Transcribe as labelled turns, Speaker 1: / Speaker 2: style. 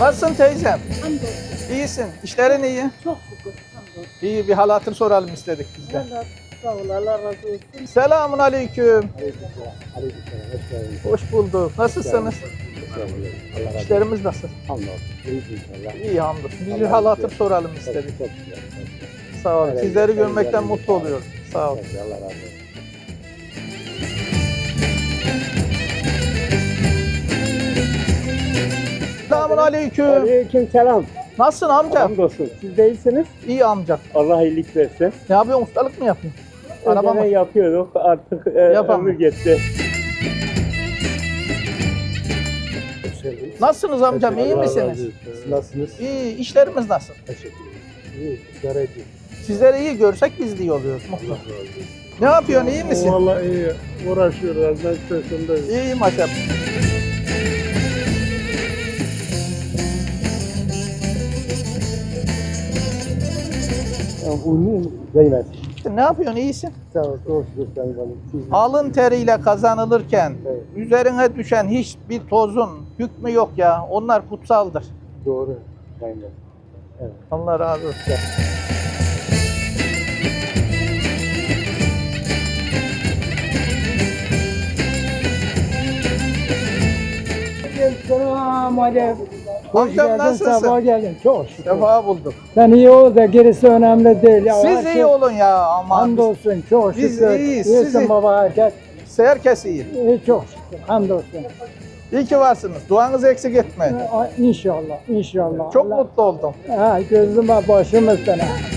Speaker 1: Nasılsın teyzem?
Speaker 2: Hamdolsun.
Speaker 1: İyisin. İşlerin iyi.
Speaker 2: Çok şükür. Hamdolsun.
Speaker 1: İyi, bir hal hatır soralım istedik biz de.
Speaker 2: Allah sağ ol. Allah razı olsun.
Speaker 1: Selamun aleyküm.
Speaker 3: Aleykümselam, hoş geldiniz.
Speaker 1: Hoş bulduk. Nasılsınız? İşlerimiz nasıl?
Speaker 3: Hamdolsun. İyiyiz inşallah.
Speaker 1: İyi hamdolsun. Bir hal hatır soralım istedik.
Speaker 3: Çok güzel.
Speaker 1: Sağ olun.
Speaker 3: Evet,
Speaker 1: Sizleri
Speaker 3: evet,
Speaker 1: görmekten
Speaker 3: evet.
Speaker 1: mutlu oluyorum. Sağ olun.
Speaker 3: Allah razı olsun.
Speaker 1: Selamun aleyküm.
Speaker 3: Aleykümselam.
Speaker 1: Nasılsın amca?
Speaker 3: Hamdolsun. Siz de iyisiniz.
Speaker 1: İyi amca.
Speaker 3: Allah iyilik versin.
Speaker 1: Ne yapıyorsun? Ustalık mı yapıyorsun? Araba
Speaker 3: Önceden
Speaker 1: mı?
Speaker 3: yapıyorduk. Artık
Speaker 1: Yapamam.
Speaker 3: ömür geçti.
Speaker 1: Nasılsınız amcam? İyi misiniz?
Speaker 3: Siz nasılsınız?
Speaker 1: İyi. İşlerimiz nasıl?
Speaker 3: Teşekkür ederim. İyi. İdare ediyoruz.
Speaker 1: Sizleri iyi görsek biz de iyi oluyoruz. Mutlu. Ne yapıyorsun? İyi misin?
Speaker 3: Vallahi iyi. Uğraşıyoruz. Ben sesindeyim.
Speaker 1: İyi maşallah.
Speaker 3: Ünlü Zeynep.
Speaker 1: Ne yapıyorsun? İyisin.
Speaker 3: Sağ ol. Doğru söylüyorsun canım.
Speaker 1: Alın teriyle kazanılırken
Speaker 3: Evet.
Speaker 1: üzerine düşen hiçbir tozun hükmü yok ya. Onlar kutsaldır.
Speaker 3: Doğru. Aynen. Evet.
Speaker 1: Allah razı olsun.
Speaker 4: Selamünaleyküm. Hoş
Speaker 1: Amcam
Speaker 4: geldin,
Speaker 1: nasılsın?
Speaker 4: sabah geldin. Çok şükür.
Speaker 1: Sefa bulduk.
Speaker 4: Sen iyi ol da gerisi önemli değil. Ya, her
Speaker 1: Siz
Speaker 4: şey-
Speaker 1: iyi olun ya aman.
Speaker 4: Hamdolsun, çok
Speaker 1: Biz
Speaker 4: şükür.
Speaker 1: iyiyiz,
Speaker 4: İyisin
Speaker 1: siz iyi.
Speaker 4: baba herkes.
Speaker 1: Herkes iyi.
Speaker 4: İyi, çok şükür. Hamdolsun.
Speaker 1: İyi ki varsınız. Duanızı eksik etmeyin.
Speaker 4: İnşallah, inşallah.
Speaker 1: Çok
Speaker 4: Allah-
Speaker 1: mutlu oldum.
Speaker 4: Ha, gözüm var başımız sana.